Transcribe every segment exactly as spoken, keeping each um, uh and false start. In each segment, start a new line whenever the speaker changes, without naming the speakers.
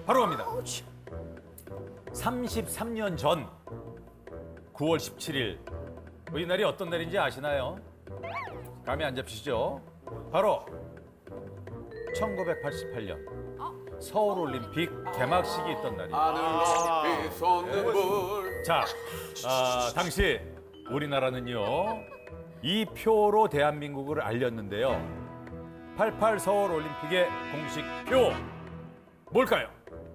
바로 갑니다. 삼십삼 년 전 구월 십칠일 이 날이 어떤 날인지 아시나요? 감이 안 잡히시죠? 바로 천구백팔십팔 년 서울올림픽 개막식이 있던 날입니다.
하늘로 높이 솟는 불.
자, 아, 당시 우리나라는요 이 표로 대한민국을 알렸는데요. 팔십팔 서울올림픽의 공식 표 뭘까요?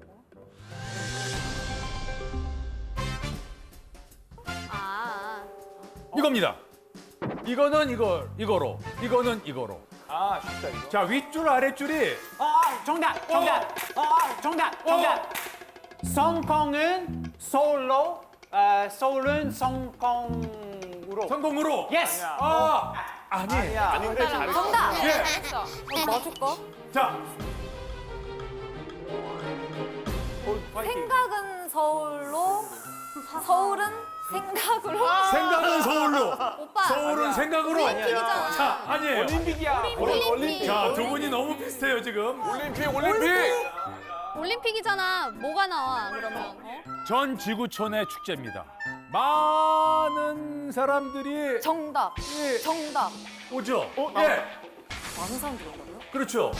아,
이겁니다. 이거는 이거 이거로, 이거는 이거로.
아, 쉽다 이거.
자, 윗줄 아랫줄이
아, 정답, 정답, 아, 정답, 정답. 성공은 서울로, 어, 서울은 성공으로.
성공으로.
예스.
아, 아니.
아닌데 잘했어.
정답.
예.
어, 맞을 거?
자,
생각은 서울로, 서울은 생각으로.
생각은 서울로.
오빠.
서울은 생각으로.
올림픽이잖아.
자, 아니에요.
올림픽이야.
올림픽.
자, 두 분이 너무 비슷해요 지금.
올림픽, 올림픽.
올림픽이잖아. 뭐가 나와 그러면? 어?
전 지구촌의 축제입니다. 많은 사람들이
정답.
예.
정답.
오죠. 예.
많은 사람들이 온다고요?
그렇죠.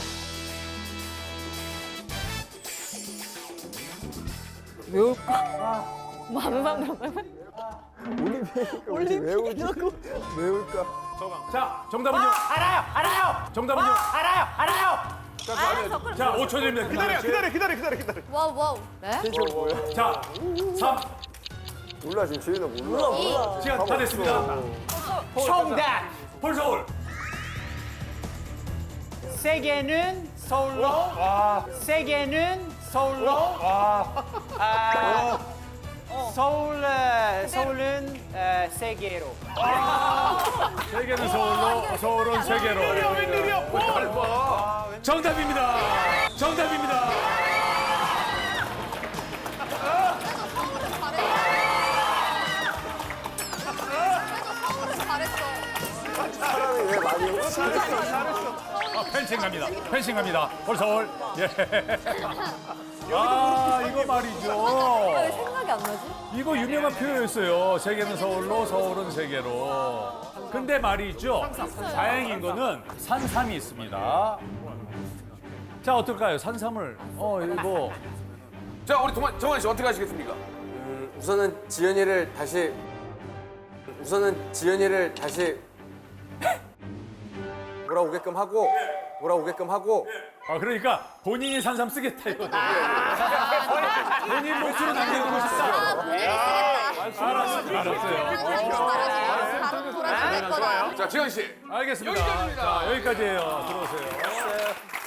외울까? 많은 사람들이 온다고요?
자, 정답은요.
알아요, 알아요.
정답은요.
알아요, 알아요.
알았어. 그럼
자, 오 초 드립니다.
기다려, 기다려, 기다려, 기다려, 기다려.
와우, 와우. 네?
자, 삼.
몰라 지금 지은아 몰라.
이.
시간 다 됐습니다.
정답.
폴서울.
세계는 서울로. 세계는 서울로. 아, 서울, 어, 서울은 어, 세계로.
세계는 서울로, 서울은 세계로.
웬일이야, 뭐 닮아.
정답입니다. 정답입니다.
서울은 잘했어.
사람이 왜 많이 오지?
아, 펜싱 갑니다. 펜싱 갑니다. 폴서울. 예. 아, 이거 말이죠.
왜 생각이 안 나지?
이거 유명한 표현이었어요. 세계는 서울로, 서울은 세계로. 근데 말이죠. 다행인 거는 산삼이 있습니다. 자, 어떨까요? 산삼을. 어, 이거.
자, 우리 동환, 정환 씨 어떻게 하시겠습니까?
우선은 지연이를 다시 우선은 지연이를 다시 돌아오게끔 하고 돌아오게끔 하고
아, 그러니까 본인이 산삼 쓰겠다, 이거. 본인 목소리 남겨두고 싶다.
아, 본인이 쓰겠다.
알았어요. 알았어요.
다른 돌아줄 거다.
자, 지현 씨.
알겠습니다.
여기까지입니다.
자, 여기까지예요. 들어오세요.